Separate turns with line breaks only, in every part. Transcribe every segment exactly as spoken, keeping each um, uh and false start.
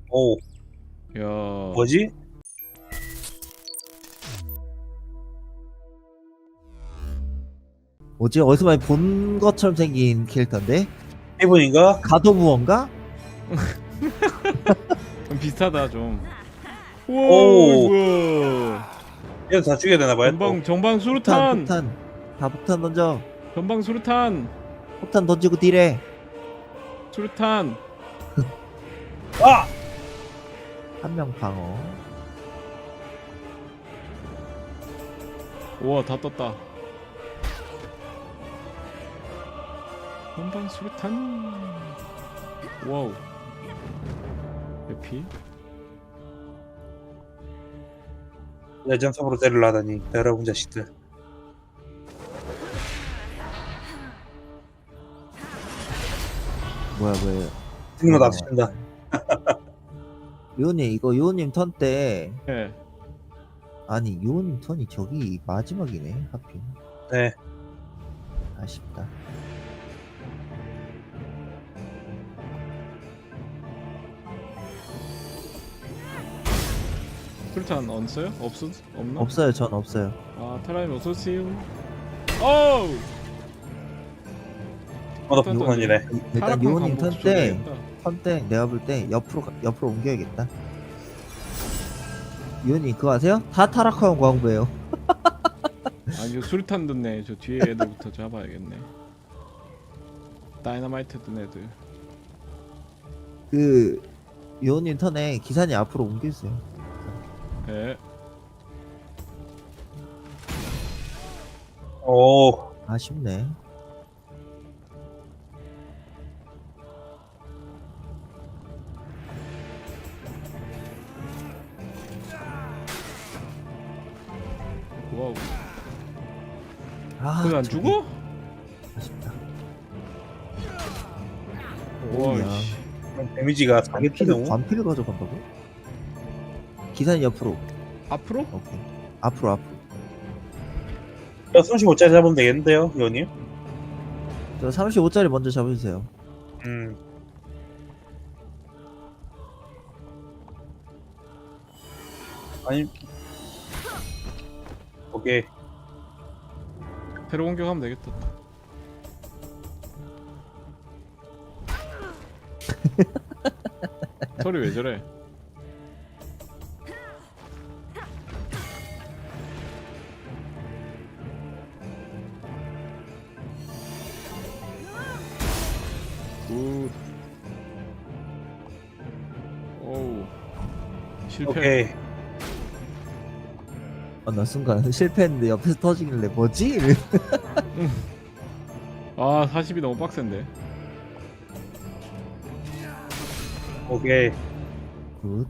오,
야.
뭐지?
뭐지? 어디서 많이 본 것처럼 생긴 캐릭터인데?
헤븐인가?
가도부원가?
좀 비슷하다 좀.
오.
우와.
얘도 다 죽여야 되나봐요.
전방 전방
폭탄,
수류탄.
폭탄. 다 폭탄 던져.
전방 수류탄.
폭탄 던지고 딜해.
수류탄.
아!
한 명 방어.
우와 다 떴다. 전방 수류탄. 와우. 에피.
레전섬으로 때리려 하다니 여러분 자식들.
뭐야, 뭐야.
승리만 납치한다.
요님, 이거 요님 턴 때.
예.
아니, 요님 턴이 저기 마지막이네, 하필.
네.
아쉽다.
수류탄 없어요? 없어? 없나?
없어요, 전 없어요.
아 타라님 어서 오세요. 어우.
어나 불만이네.
일단 요님 턴 때, 턴 때 내가 볼 때 옆으로, 가- 옆으로 옮겨야겠다. 요님 그거 아세요? 다 타락하는 광부예요.
아 이거 수류탄 듣네. 저 뒤에 애들부터 잡아야겠네. 다이너마이트 든 애들.
그, 요님 턴에 기사님 앞으로 옮겨주세요.
예.
오,
아쉽네.
와우.
아,
그거 안
저기
죽어?
아쉽다.
와
오야.
씨.
그럼 데미지가 사기
관피를,
때문에.
관피를 가져간다고? 기사님 옆으로.
앞으로?
오케이. 앞으로, 앞으로.
야, 삼십오 짜리 잡으면 되겠는데요, 의원님?
저 삼십오 짜리 먼저 잡아주세요.
음. 아니. 오케이.
새로 공격하면 되겠다. 소리 왜 저래? 굿. 오우. 실패.
오케이.
아, 나 순간 실패했는데 옆에서 터지길래 뭐지? 이래.
아 사십이 너무 빡센데.
오케이.
굿.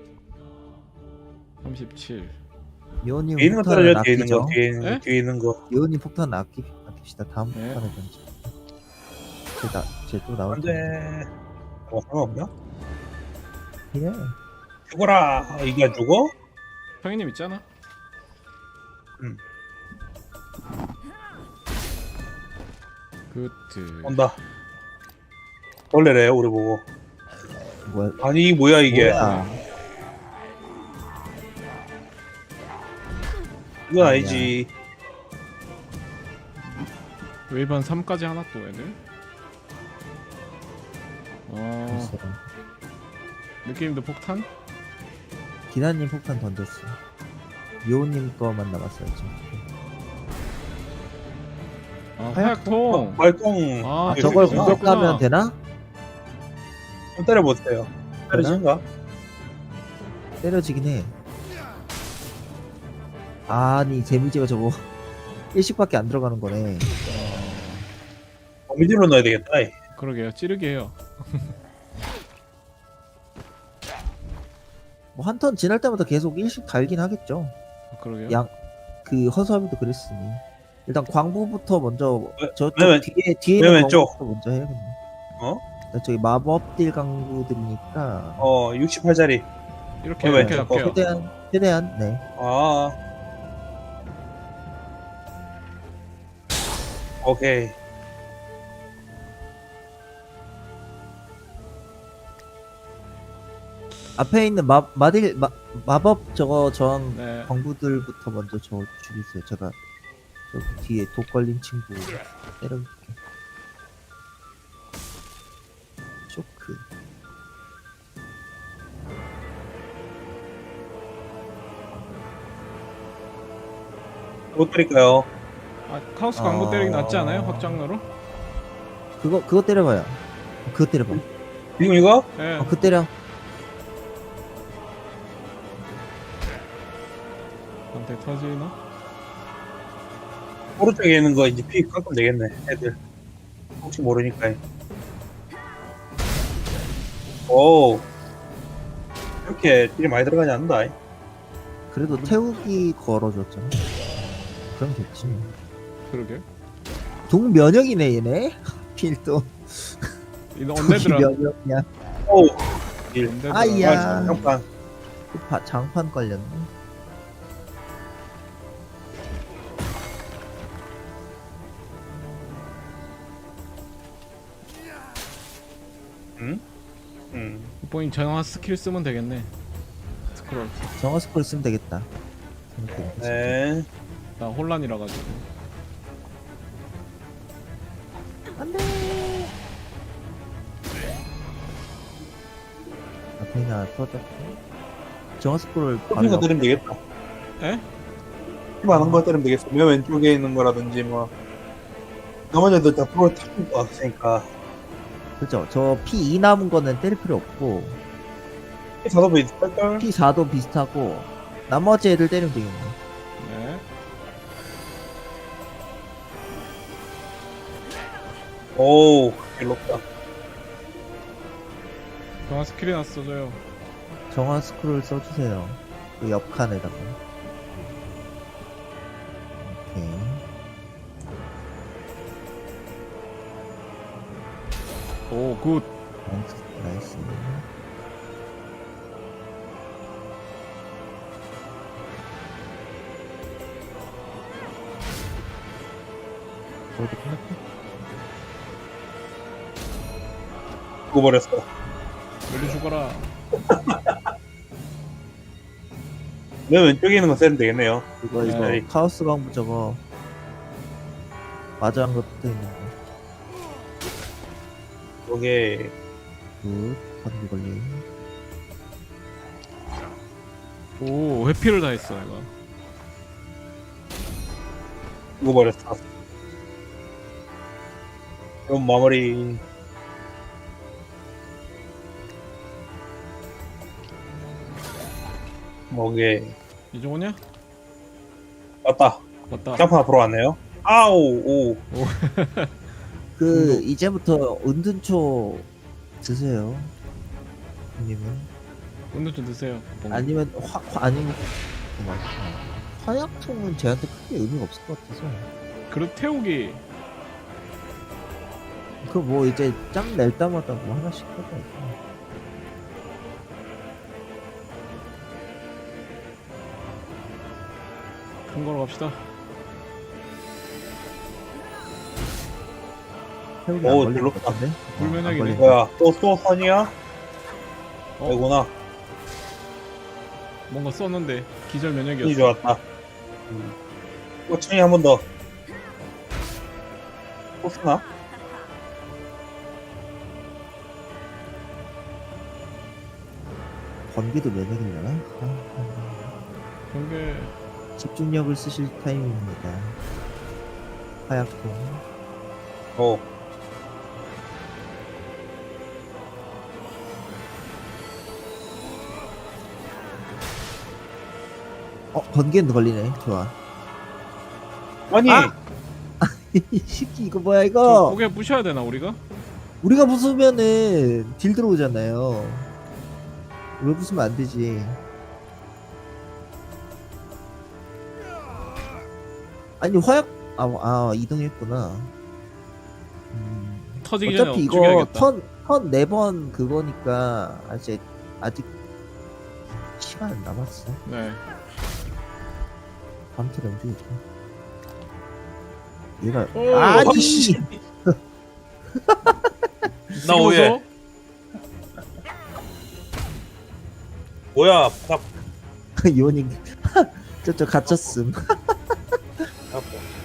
삼십칠.
요님
뒤에 있는 거
폭탄을
떨어져, 뒤에 있는 거,
아끼죠.
뒤에 있는
에?
거, 뒤에 있는 거.
요님 폭탄 아끼, 아낍시다. 다음
네.
폭탄을 던져. 쟤나, 쟤또 나올
안
텐데.
돼. 뭐, 상관없나?
그래.
죽어라! 이게 안 죽어?
형님 있잖아.
음.
굿.
온다. 원래래, 우리 보고.
뭐야?
아니, 뭐야, 이게.
뭐야?
이건
아니야.
아니지.
웨이번 삼까지 하나 또 애들. 어
글쎄.
느낌도 폭탄?
기사님 폭탄 던졌어. 요님 거만 남았어요 지금.
아
화약통.
화약통.
말똥.
아,
아,
이거
저걸
있구나.
공격하면 되나?
좀 때려보세요. 때려진가?
때려지긴 해. 아니 데미지가 저거 일씩밖에 안 들어가는 거네.
거미줄로 넣어야 되겠다. 이.
그러게요. 찌르게 해요.
뭐 한 턴 지날 때마다 계속 일씩 달긴 하겠죠.
아, 그러게요.
양 그 허수아비도 그랬으니 일단 광부부터 먼저
왜-
저쪽
왜냐면-
뒤에 뒤에
왜냐면
있는
쪽.
광부부터 먼저 해야겠네.
어?
나 저기 마법딜 강구들이니까
어, 육십팔 짜리.
이렇게
왜,
이렇게
저-
할게요.
최대한 최대한 네.
아. 오케이.
앞에 있는 마 마딜 마, 마법 저거 저항
네.
광부들부터 먼저 저 죽이세요. 제가 저 뒤에 독 걸린 친구 때려볼게. 쇼크.
못 드릴까요?
아 카오스 광고
아.
때리기 낫지 않아요? 확장로로?
그거 그거 때려봐요. 그거 때려봐.
지금 이거?
예.
어, 그거 때려.
한테 터지나?
오른쪽에 있는 거 이제 피 깎으면 되겠네, 애들. 혹시 모르니까. 오. 이렇게 딜이 많이 들어가지 않는다.
그래도 태우기 걸어줬잖아. 그럼 됐지.
그러게.
동면역이네 얘네. 필도.
이거 언제들아?
면역이야.
오. 딜.
언제들아?
아이야.
아, 잠깐.
그 바- 장판 걸렸네.
응? 응.
본인 전화 스킬 쓰면 되겠네. 스크롤.
정화 스콜 쓰면 되겠다. 생각해보니까.
네.
나 혼란이라 가지고.
안돼. 앞에 하나 터졌고. 정화 스콜을
커피가
바로
때리면 되겠다.
에?
피 많은 거 때리면 되겠어. 맨 왼쪽에 있는 거라든지 뭐. 나머지 애들 다 프로 타는 거 같으니까.
그죠. 저 피 이 남은 거는 때릴 필요 없고
사도 비슷할걸?
피 사도 비슷하고 나머지 애들 때리면 되겠네.
네.
오우, 일롭다.
전화 스킬이나 써줘요.
정화 스크롤 써주세요. 그 옆칸에다가. 오케이.
오 굿.
나이스. 나이스. 저도 끝났고.
죽어버렸어.
빨리 죽어라.
맨 왼쪽에 있는 거 쓰면 되겠네요.
이거 이거
네.
카오스 광부 저거 마주한 거 붙어 있는 거.
요게,
굿. 번개 걸림.
오 회피를 다 했어 내가.
죽어버렸어. 그럼 마무리. 뭐게,
이종호냐?
맞다.
맞다.
점프 앞으로 왔네요. 아우, 오.
그
중독.
이제부터 은둔초 드세요. 님은
운동 좀 드세요. 뭔가.
아니면 화, 화 아니면 잠깐만. 화약통은 쟤한테 크게 의미가 없을 것 같아서.
그릇 태우기.
그 뭐 이제 짱 낼 때마다 뭐 하나씩 하자.
큰 거로 갑시다.
태우기
오,
안 걸릴
별로
것 같은데?
불면역이네.
어, 안 걸린다.
뭐야, 또, 또 선이야?
어?
아이구나.
뭔가 썼는데 기절
선이
면역이었어.
좋았다. 음. 꼬충이 한 번 더. 또 쓰나?
번개도 면역이려나? 아,
경계.
집중력을 쓰실 타임입니다. 화약통.
오.
어 번개는 걸리네. 좋아.
아니!
아! 이 새끼 이거 뭐야
저
이거?
고개 부셔야 되나 우리가?
우리가 부수면은 딜 들어오잖아요. 왜 부수면 안 되지? 아니 화약 아, 아 이동했구나. 음,
터지기 전에
어차피 이거
죽여야겠다.
턴턴 네 번 그거니까 아직 아직 시간 남았어.
네.
밤새 움직이죠. 얘가
오,
아니
씨. 나
쓰고서
오해. 뭐야 다
이원이 저저 갇혔음.
아파.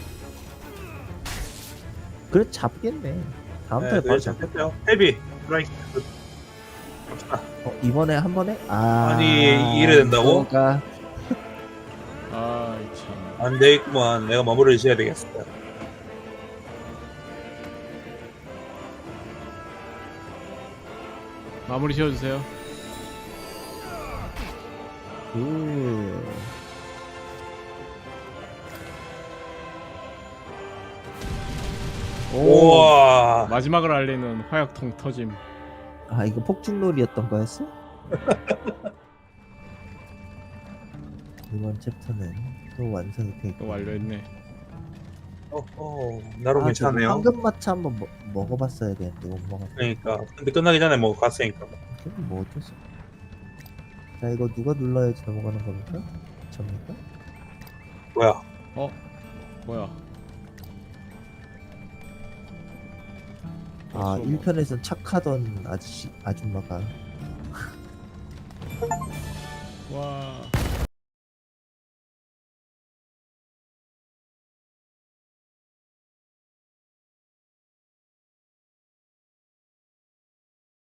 그래 잡겠네. 다음
네,
달에
네,
바로 잡.
잡혔어요. 헤비 스트라이크. 갑시다.
어, 이번에 한 번에 아
아니, 이래 된다고?
이거가
아이 참.
안 되겠구만. 내가 마무리를 지어야 되겠어.
마무리 지어주세요.
그 오.
우와.
마지막을 알리는 화약통 터짐.
아 이거 폭죽놀이였던 거였어? 이번 챕터는 또 완성이 되고
또 완료했네.
어, 어, 나름
아, 저거
괜찮네요.
황금마차 한번 먹, 먹어봤어야 되는데 못 먹었어.
그러니까. 근데 끝나기 전에 뭐 갔으니까.
그럼 뭐 어쩔 수 없어. 자 이거 누가 눌러야지 넘어가는 겁니까? 접니까?
뭐야?
어? 뭐야?
아
벌써
일 편에선 착하던 아저씨 아줌마가
뭐- 와.